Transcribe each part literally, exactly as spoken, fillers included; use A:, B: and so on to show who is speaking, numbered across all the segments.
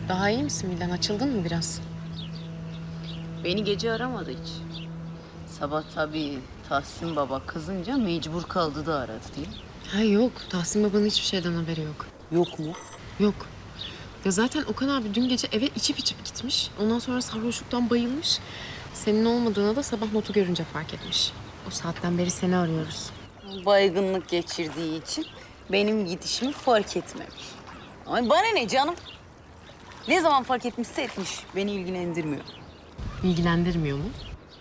A: Daha iyi misin Vildan? Açıldın mı biraz?
B: Beni gece aramadı hiç. Sabah tabii Tahsin Baba kızınca mecbur kaldı da aradı değil mi?
A: Ha yok. Tahsin babanın hiçbir şeyden haberi yok.
B: Yok mu?
A: Yok. Ya zaten Okan abi dün gece eve içip içip gitmiş. Ondan sonra sarhoşluktan bayılmış. Senin olmadığına da sabah notu görünce fark etmiş. O saatten beri seni arıyoruz.
B: Baygınlık geçirdiği için benim gidişimi fark etmemiş. Ama bana ne canım? Ne zaman fark etmişse etmiş. Beni ilgilendirmiyor.
A: İlgilendirmiyor mu?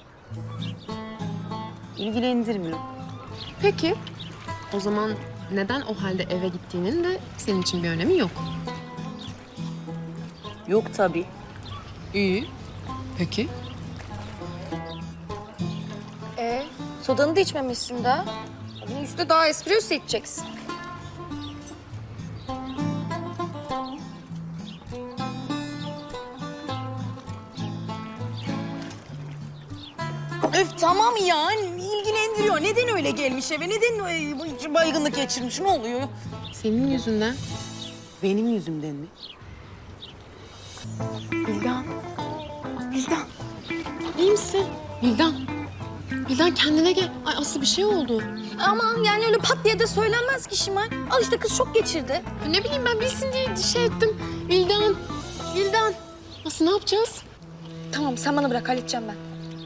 B: İlgilendirmiyor.
A: Peki. O zaman neden o halde eve gittiğinin de senin için bir önemi yok.
B: Yok tabii.
A: İyi. Peki.
C: Ee, sodanı da içmemişsin daha. Bunun üstüne daha espresso içeceksin.
B: Öf tamam ya. İlgilendiriyor. Neden öyle gelmiş eve? Neden e, baygınlık geçirmiş? Ne oluyor?
A: Senin yüzünden.
B: Benim yüzümden mi?
A: Vildan. Vildan. İyi misin? Vildan. Vildan kendine gel. Ay Aslı bir şey oldu.
C: Ama yani öyle pat diye de söylenmez ki Şimal. Al işte kız şok geçirdi.
A: Ne bileyim ben bilsin diye şey ettim. Vildan. Vildan. Aslı ne yapacağız?
C: Tamam sen bana bırak halledeceğim ben.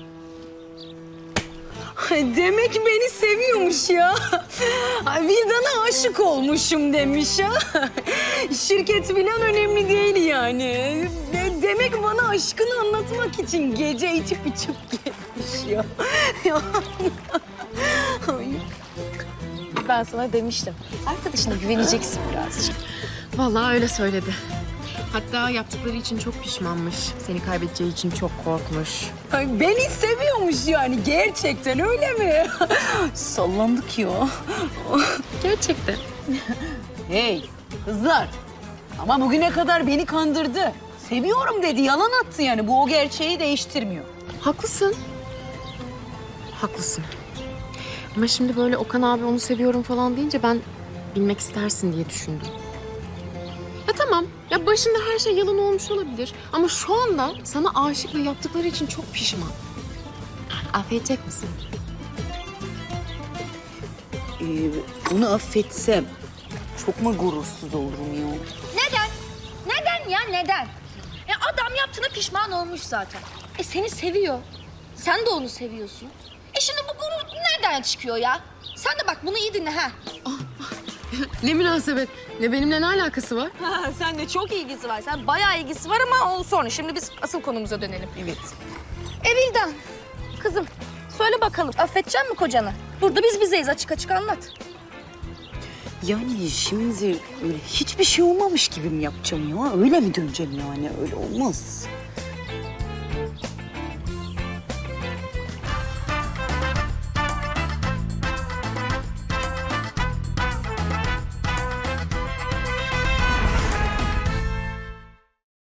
B: Demek beni seviyormuş ya. Ay, Vildan'a aşık olmuşum demiş ya. Şirket falan önemli değil yani. De- demek bana aşkını anlatmak için gece içip içip gelmiş ya. Ya. Ay.
C: Ben sana demiştim. Arkadaşına güveneceksin birazcık.
A: Vallahi öyle söyledi. Hatta yaptıkları için çok pişmanmış. Seni kaybedeceği için çok korkmuş.
B: Ay, beni seviyormuş yani gerçekten öyle mi? Sallandık ya.
A: Gerçekten.
B: Hey kızlar. Ama bugüne kadar beni kandırdı. Seviyorum dedi, yalan attı yani. Bu o gerçeği değiştirmiyor.
A: Haklısın. Haklısın. Ama şimdi böyle Okan abi onu seviyorum falan deyince ben bilmek istersin diye düşündüm. Ya tamam. Ya başında her şey yalan olmuş olabilir. Ama şu anda sana aşık ve yaptıkları için çok pişman. Affedecek misin?
B: Ee, onu affetsem çok mu gurursuz olurum ya?
C: Neden? Neden ya neden? E adam yaptığına pişman olmuş zaten. E seni seviyor. Sen de onu seviyorsun. E şimdi bu gurur nereden çıkıyor ya? Sen de bak bunu iyi dinle ha.
A: Ne münasebet. Ne benimle ne alakası var?
C: Ha, sen de çok ilgisi var. Sen bayağı ilgisi var ama o sonra. Şimdi biz asıl konumuza dönelim.
B: Evet.
C: E Vildan, kızım söyle bakalım affedecek mi kocanı? Burada biz bizeyiz açık açık anlat.
B: Yani şimdi öyle hiçbir şey olmamış gibi mi yapacağım ya? Öyle mi döneceğim yani? Öyle olmaz.